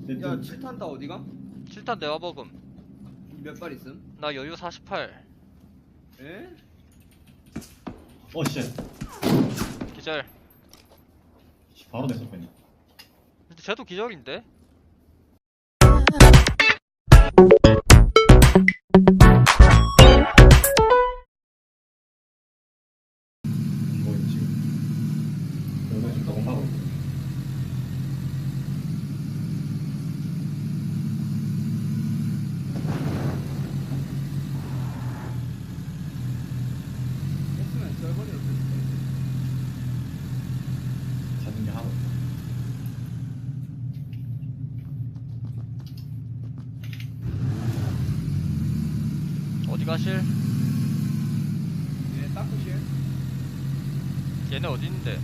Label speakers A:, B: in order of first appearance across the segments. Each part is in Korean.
A: 야 7탄 다 어디가?
B: 7탄 내가 먹음.
A: 몇 발 있음?
B: 나 여유 48.
A: 에?
C: 씨.
B: 기절.
C: 바로 냈어, 뺐네.
B: 근데 쟤도 기절인데?
C: 뭐, 지금. 여기가 지금 너무 하고.
A: 했으면 썰버리로 뺐을
C: 잡은 게 하고.
B: 어디 가실?
A: 얘 따쿠실?
B: 얘네 어디 있는데?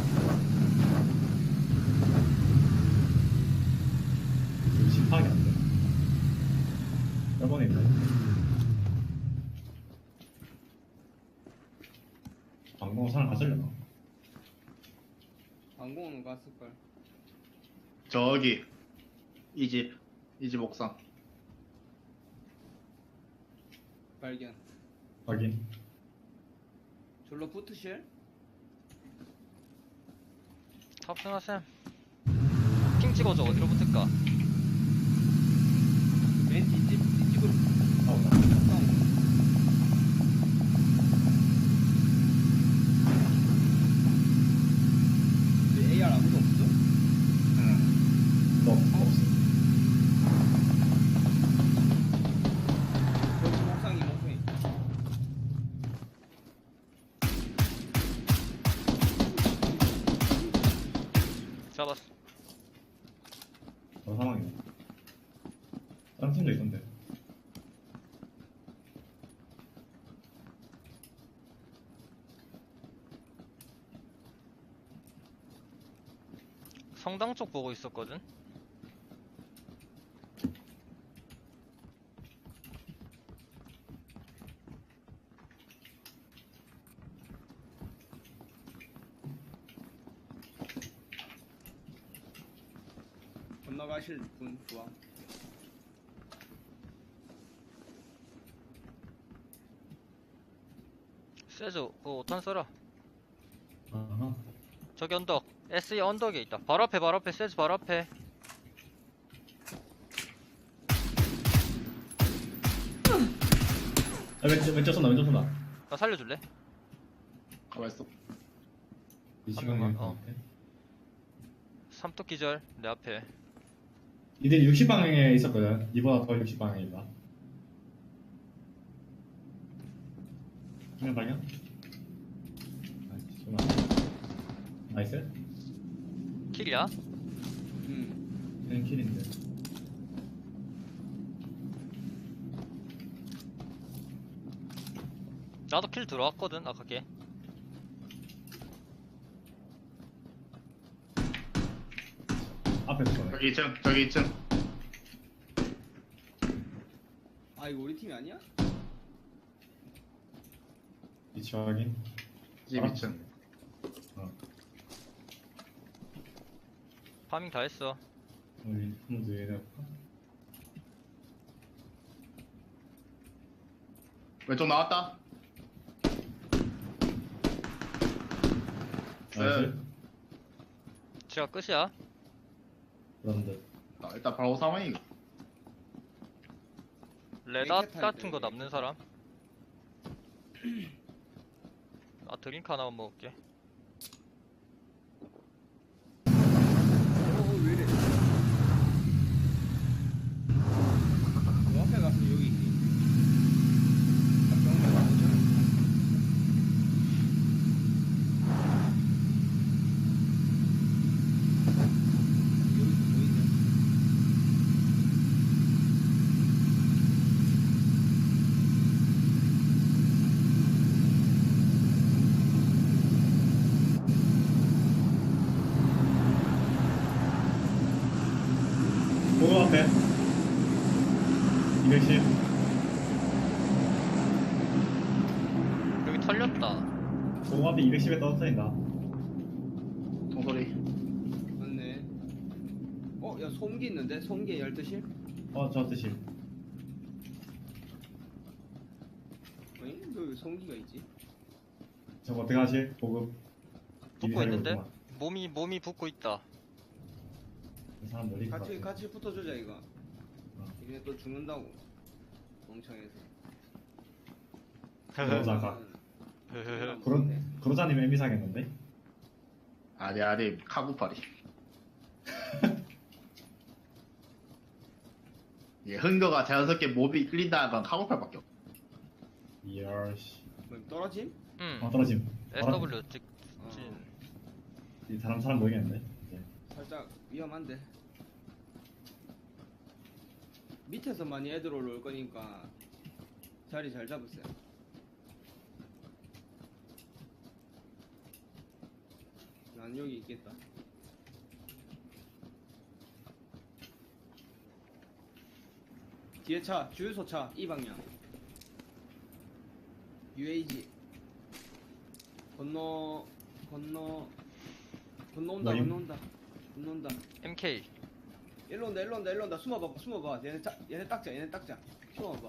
C: 지금 파악이 안 돼. 저번에 있네. 방공 사람 갔으려나?
A: 방공은 갔을걸.
D: 저기 이 집 옥상.
A: 발견.
C: 확인.
A: 졸로 붙으실?
B: 탑승하셈. 핑 찍어줘. 어디로 붙을까?
A: 맨 뒷집으로
C: 아웃다.
A: 싸움. 근데 AR 아무도 없어?
D: 응.
C: 너, 없어.
A: 여기 목상이 목상이.
B: 잡았어.
C: 그런 상황이네. 다른 팀도 있던데.
B: 성당 쪽 보고 있었거든?
A: 건너가실 분 좋아.
B: 세즈, 그거 5탄 써라.
C: 아하.
B: 저기 언덕. SE 언덕에 있다. 바로 앞에, 바로 앞에, 세즈 바로 앞에.
C: 왼쪽 쏜다, 왼쪽 쏜다.
B: 나 살려줄래?
D: 가만있어.
C: 이
B: 한
C: 시간에.
B: 명만, 삼뚝 기절, 내 앞에.
C: 이들 60방향에 있었거든. 이보다 더 60방향이다. 한명 방향? 나이스.
B: 킬이야?
A: 응.
C: 킬인데.
B: 나도 킬 들어왔거든, 아까 걔.
C: 앞에서 쏘네.
D: 저기 2층.
A: 아 이거 우리 팀이 아니야?
C: 위치 확인.
D: 집 2층.
B: 파밍 다 했어.
C: 우리 한번 더 얘기해볼까?
D: 왼쪽 나왔다.
C: 나이스.
B: 제가 끝이야.
C: 그런데.
D: 일단 바로 상황이.
B: 레닷
A: 랭켓
B: 같은 거
A: 타야 돼,
B: 남는 사람? 나 드링크 하나만 먹을게.
A: 왜 이래? 너 앞에 가서 여기 있니? 병원 나오잖아. 여기 보이냐?
C: 보고 앞에. 210.
B: 여기 털렸다.
C: 보고 앞에 210에 떨어뜨린다.
D: 총소리.
A: 맞네. 야 소음기 있는데? 소음기에 12실?
C: 저 뜻이.
A: 어이? 왜 소음기가 있지?
C: 저거 어떻게 하지? 보급.
B: 붙고 있는데? 몸이 붙고 있다.
C: 이 사람 멀리 있을 것 같아.
A: 같이 붙어주자 이거. 이게 또 죽는다고. 멍청해서.
C: 그러다가
A: 안
C: 그러,
A: 보이네.
C: 그러자님 애미 사겠는데?
D: 아리 카구파리. 예, 흥거가 자연스럽게 몸이 끌린다는 건 카구팔밖에 없어.
C: 이야씨.
A: 뭐 떨어짐?
C: 떨어짐.
B: SW 직진.
C: 이 사람 보이겠는데? 이제.
A: 살짝 위험한데. 밑에서 많이 애들 올라올 거니까 자리 잘 잡으세요. 난 여기 있겠다. 뒤에 차, 주유소 차, 이 방향. UAG. 건너온다.
B: MK.
A: 일로 온다. 숨어봐. 얘네 딱자. 숨어봐.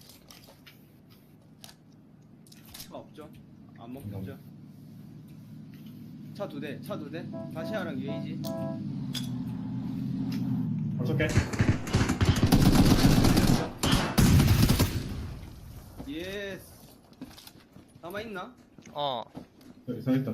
A: 차 없죠? 안 먹겠죠? 차 두 대. 다시아랑 UAG.
C: 어떻게?
A: 예스. 남아있나?
C: 서 있다.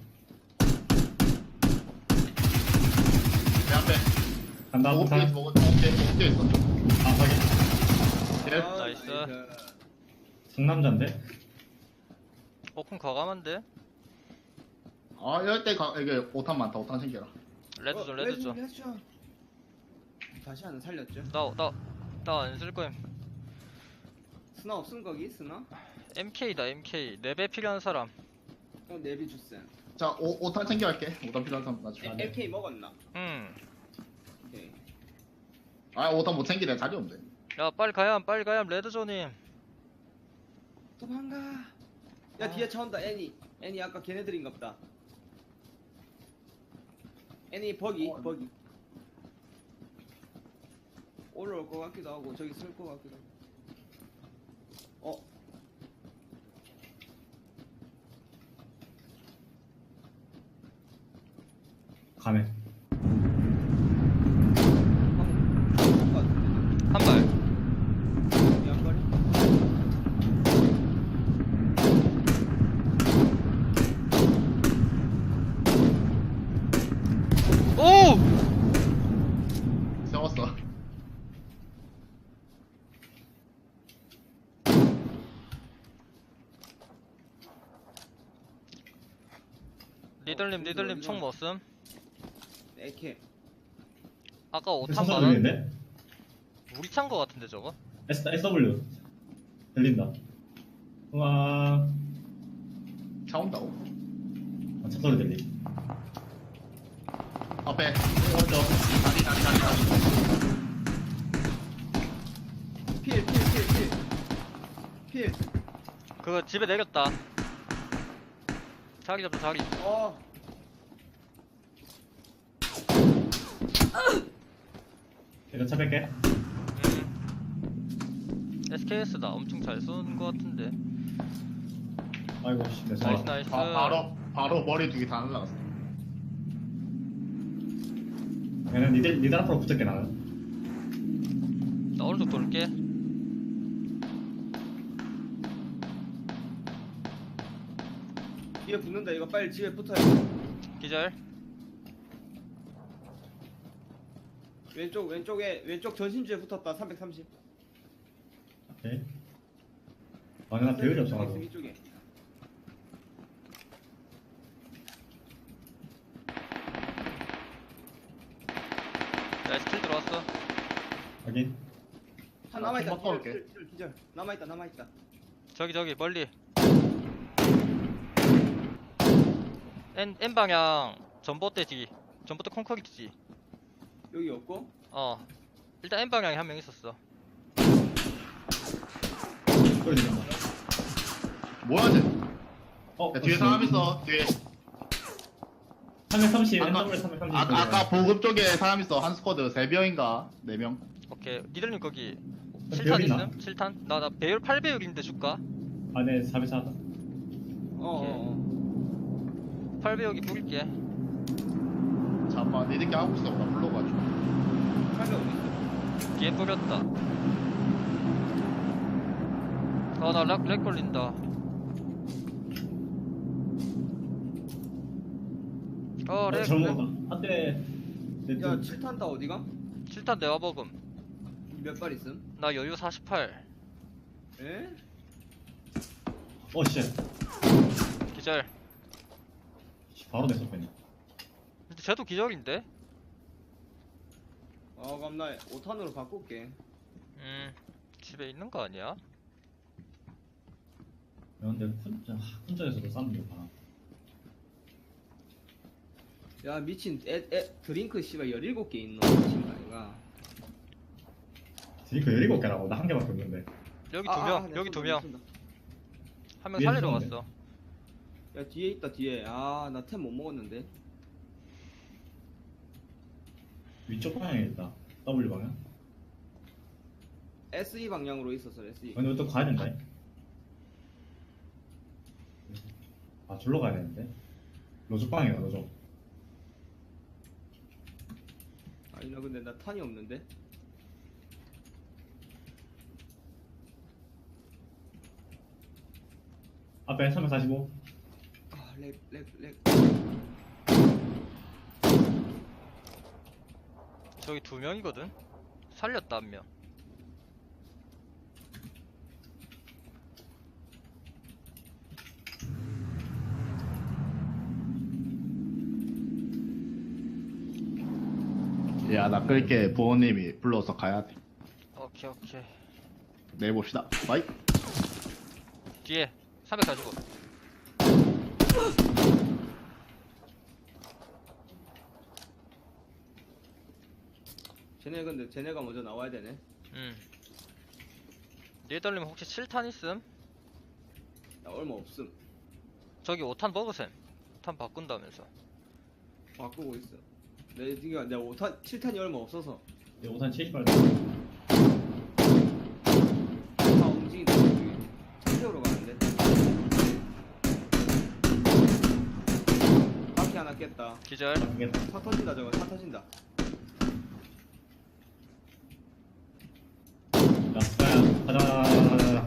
D: 내 앞에
C: 간다.
D: 보급대
C: 부산.
D: 보급대 있어.
C: 확인.
D: 예.
B: 나이스.
C: 상남자인데?
B: 오픈 과감한데?
D: 아 이럴 때 이게 5탄 많다. 5탄 챙겨라.
B: 레드존.
A: 다시아는 살렸죠?
B: 나 안 쓸 거임.
A: 스나 없음 거기? 스나?
B: MK다 MK. 4배 필요한 사람.
A: 내비 주쌤.
D: 자 5탄 챙겨갈게. 5탄 필요한 사람 나중에.
C: 네.
A: MK 먹었나? 오케이.
D: 아 5탄 못 챙기네. 자리 없네.
B: 야 빨리 가야 레드존임.
A: 도망가. 야 뒤에 차 온다. 애니 아까 걔네들인갑다. 애니 버기. 올라올 것 같기도 하고 저기 쓸 것 같기도 하고.
C: 가네.
B: 한 발.
A: 양거리?
B: 오!
D: 세웠어.
B: 니들님 총 뭐 쓴?
A: AK.
B: 아까 5탄
C: 선사
B: 많았
C: 들리는데?
B: 우리 찬 거 같은데 저거?
C: SW. 들린다. 우와.
D: 차 온다고?
C: 차 소리 들리.
D: 앞에
C: 오른쪽.
A: 필.
B: 그거 집에 내렸다. 자기 잡자 자기.
C: 이거 차 뺄게.
B: SKS다. 엄청 잘 쏜 거 같은데.
C: 아이고, 씨. 내
B: 나이스
C: 차.
B: 나이스.
D: 바로 머리 두 개 다 날라갔어.
C: 얘는 니들 앞으로 붙을게, 나는.
B: 나 오른쪽 돌게.
A: 뒤에 붙는다. 이거 빨리 집에 붙어야 돼.
B: 기절.
A: 왼쪽 전신주에 붙었다. 330.
C: 오케이. 아, 나 배율이 없어가지고.
A: 이쪽에.
B: 나이스 킬 들어왔어.
C: 확인.
A: 한 남아있다.
D: 좀 바꿔올게.
A: 기절. 남아있다.
B: 저기 멀리. N 방향 전봇대 뒤. 전봇대 콘크리트지.
A: 여기 없고.
B: 일단 N 방향에 한 명 있었어.
C: 소리 들린다.
D: 뭐야 쟤?
C: 어,
D: 야, 뒤에 사람 있어. 뒤에.
C: 330,
D: 아까-
C: NW 330.
D: 아까 보급 쪽에 사람 있어. 한 스쿼드 3명인가 4명.
B: 오케이. 니들님 거기
C: 배율
B: 7탄
C: 있나?
B: 있음? 7탄? 나 배율 8배율인데 줄까?
C: 아, 네, 404.
A: 어어어
B: 8배율이 뿌릴게.
D: 잠깐만 니들끼리 하고 있어. 나 불러가지고.
A: 칼이 어딨어?
B: 뒤에 뿌렸다. 렉 걸린다. 렉.
C: 저런 거다. 한 대. 네,
A: 야 7탄 다 어디가?
B: 7탄 내가 먹음.
A: 몇 발 있음?
B: 나 여유 48.
A: 에?
C: 씨.
B: 기절.
C: 바로 냈어, 뺐네.
B: 근데 쟤도 기절인데?
A: 그럼 나 5탄으로 바꿀게.
B: 집에 있는 거 아니야?
C: 근데 혼자에서도 싸는 거 봐.
A: 야 미친 드링크 씨발 17개 있노 미친 거 아이가.
C: 드니까 17개라고. 나 한 개밖에 없는데.
B: 여기
A: 아,
B: 두 명,
A: 내가
B: 여기 두
A: 쏜다,
B: 명.
A: 쏜다.
B: 한 명
C: 위에
B: 살리러
C: 쏘는데.
B: 갔어.
A: 야 뒤에 있다 뒤에. 나 템 못 먹었는데.
C: 위쪽 방향에 있다. W 방향.
A: SE 방향으로 있었어 SE.
C: 근데 또 가야 된다. 아, 졸로 가야 되는데. 로족 방향이다, 로족.
A: 아니 나 근데 나 탄이 없는데.
C: 앞에 345.
A: 렉.
B: 저기 두 명이거든? 살렸다, 한 명.
D: 야, 나 끌게. 부모님이 불러서 가야 돼.
B: 오케이.
D: 내일 봅시다. 바이.
B: 뒤에 345.
A: 근데 쟤네가 먼저 나와야 되네.
B: 니들님 혹시 7탄 있음?
A: 나 얼마 없음.
B: 저기 5탄 먹으셈. 5탄 바꾼다면서.
A: 바꾸고 있어. 내가 5탄 7탄이 얼마 없어서.
C: 5탄 78.
A: 다 움직인다. 차 세우러 가는데. 바퀴 하나 깼다.
B: 기절.
A: 차 터진다 저거. 차 터진다.
C: 야, 가자.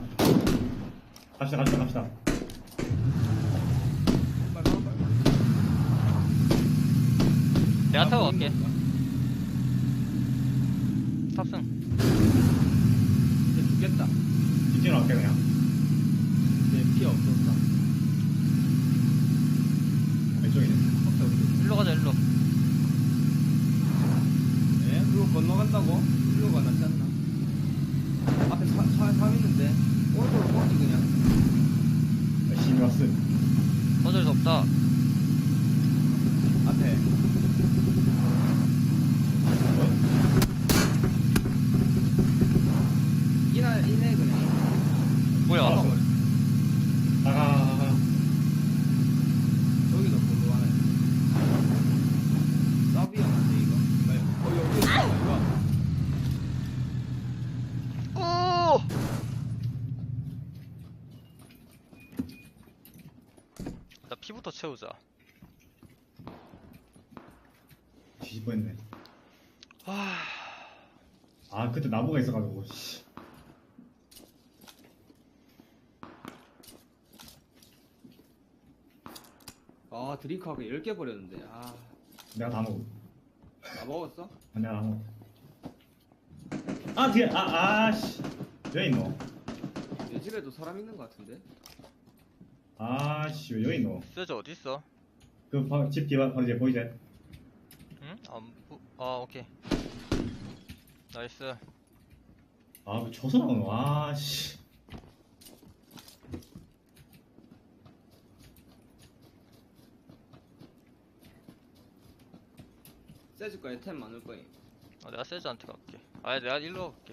C: 갑시다.
A: 빨리.
B: 내가 타고 갈게. 탑승.
A: 이제 죽겠다.
C: 뒷진으로 갈게, 그냥.
A: 이제 피 없었다.
C: 왼쪽이네.
B: 일로 가자, 일로.
A: 예? 그거 건너간다고? 일로 가 낫지 않나? 앞에 차 있는데 오른쪽으로 뻗지 그냥.
C: 열심히 왔어.
B: 어쩔 수 없다.
A: 앞에 이네 그냥.
B: 뭐야?
C: 나가.
A: 저기도 볼로 하네. 서비형한테 이거. 여기 있어 이거.
B: 오! 나 피부터 채우자.
C: 뒤집어했네.
B: 아,
C: 아, 그때 나무가 있어가지고, 씨.
A: 드링크하고 10개 버렸는데.
C: 내가 다 먹어.
A: 나 먹었어?
C: 내가 다 먹어. 아, 뒤에, 씨. 왜 있노?
A: 내 집에도 사람 있는 것 같은데.
C: 씨, 왜 여기 있노?
B: 세즈 어딨어?
C: 집 뒤에 바로 이제 보이지?
B: 응? 오케이. 나이스.
C: 왜 저서 나오노? 씨.
A: 세줄 거에 템 많을 거임.
B: 내가 세즈한테 갈게. 내가 일로 갈게.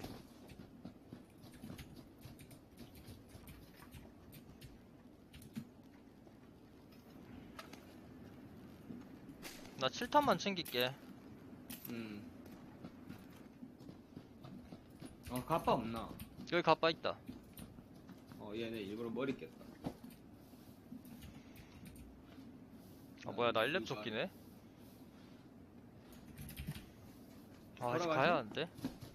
B: 나 7탄만 챙길게.
A: 가빠 없나?
B: 여기 가빠 있다.
A: 얘네 일부러 머리 깼다.
B: 아 뭐야 나 1렙 쫓기네. 아 이제
A: 걸어가지?
B: 가야 하는데.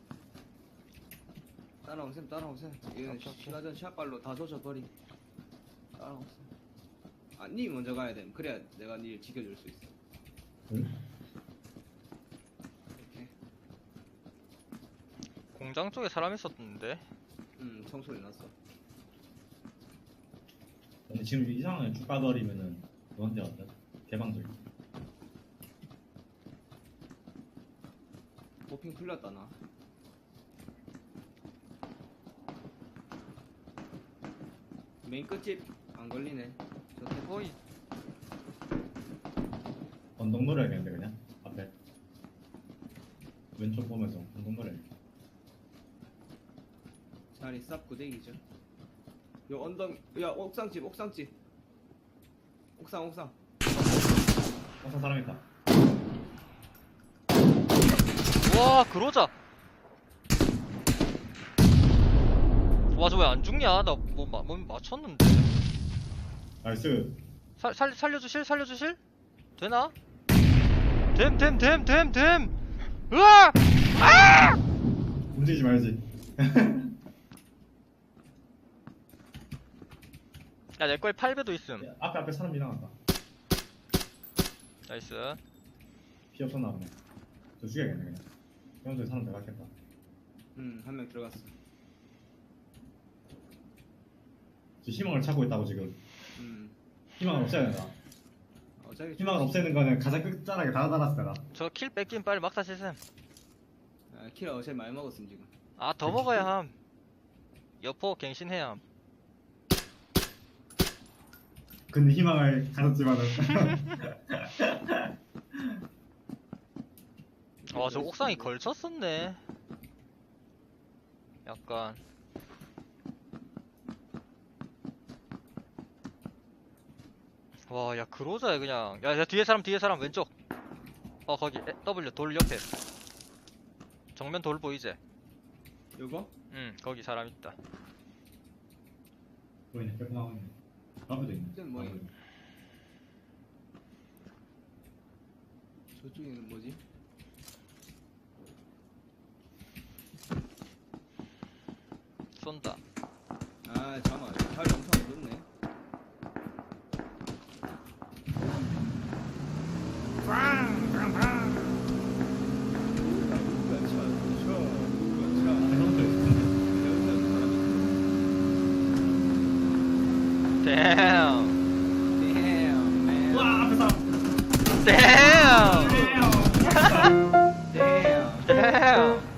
A: 따라오셈 따라오셈. 얘는
B: 오케이, 오케이.
A: 시가전 샷발로 다 조져버리. 따라오셈. 니 먼저 가야 돼. 그래야 내가 니 지켜줄 수 있어.
D: 응?
A: 이렇게.
B: 공장 쪽에 사람 있었는데.
A: 총소리 났어.
D: 근데 지금 이 상황에 쭉 빠져버리면은 너한테 왔다. 개방들.
A: 도핑 풀렸다 나. 메인 끝집 안 걸리네. 저
B: 거의
D: 언덕 노려야겠는데 그냥 앞에. 왼쪽 보면서 언덕 노려.
A: 자리 쌉 구대기죠. 요 언덕, 야 옥상집 옥상.
D: 어서 사람 있다.
B: 와 그러자. 와 저 왜 안 죽냐? 나 뭐 맞췄는데.
D: 나이스.
B: 살려주실? 되나? 됨. 으아! 아!
D: 움직이지 말지.
B: 야 내 거에 8배도 있음.
D: 야, 앞에 사람 지나간다.
B: 나이스.
D: 피 없었나 보네. 저 죽여야겠네 그냥. 평소에 사람 들어갔겠다.
A: 한 명 들어갔어.
D: 지금 희망을 찾고 있다고 지금. 희망을 없애야 된다.
A: 어차피
D: 희망을 없애는 거는 가장 끝자락에 달아달았어 내가.
B: 저 킬 뺏긴 빨리 막사 시셈.
A: 킬 어제 많이 먹었음 지금.
B: 아 더 먹어야 함. 여포 갱신해야 함.
D: 근데 희망을 가졌지만은.
B: 와 저 옥상이 걸쳤었네. 약간. 와 야 그로자야 그냥. 야 뒤에 사람 왼쪽. 거기 W 돌 옆에. 정면 돌 보이지?
A: 요거?
B: 응 거기 사람 있다.
D: 보이네. 옆에 나오네. 앞에도 있네.
A: 이건 뭐야? 저쪽에는 뭐지?
B: 쏜다.
A: 아 잠깐만 자리 엄청 늦네.
D: 해상도 있어.
B: 댐.
D: 와 앞에 사람.
B: 댐.
D: damn.
B: 댐.